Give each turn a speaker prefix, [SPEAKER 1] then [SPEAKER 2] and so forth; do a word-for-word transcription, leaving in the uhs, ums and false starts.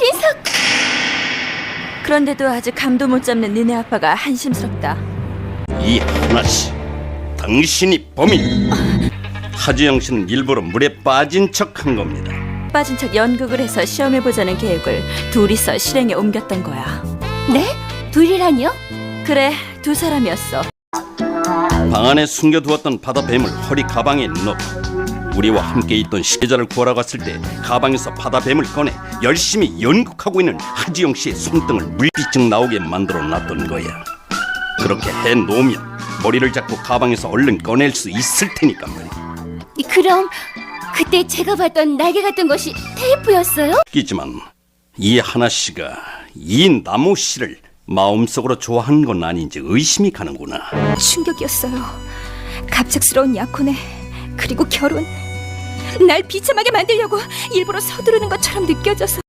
[SPEAKER 1] 민석!
[SPEAKER 2] 그런데도 아직 감도 못 잡는 니네 아빠가 한심스럽다.
[SPEAKER 3] 이 하나씨, 당신이 범인. 하지영 씨는 일부러 물에 빠진 척한 겁니다.
[SPEAKER 2] 빠진 척 연극을 해서 시험해보자는 계획을 둘이서 실행에 옮겼던 거야.
[SPEAKER 1] 네? 둘이라니요?
[SPEAKER 2] 그래, 두 사람이었어.
[SPEAKER 3] 방 안에 숨겨두었던 바다뱀을 허리 가방에 넣고 우리와 함께 있던 시계자를 구하러 갔을 때 가방에서 바다뱀을 꺼내 열심히 연극하고 있는 하지영 씨의 손등을 물비쩍 나오게 만들어 놨던 거야. 그렇게 해놓으면 머리를 잡고 가방에서 얼른 꺼낼 수 있을 테니까 말이야.
[SPEAKER 1] 그럼 그때 제가 봤던 날개 같은 것이 테이프였어요?
[SPEAKER 3] 웃기지만 이 하나씨가 이 나무 씨를 마음속으로 좋아하는 건 아닌지 의심이 가는구나.
[SPEAKER 1] 충격이었어요. 갑작스러운 약혼에 그리고 결혼. 날 비참하게 만들려고 일부러 서두르는 것처럼 느껴져서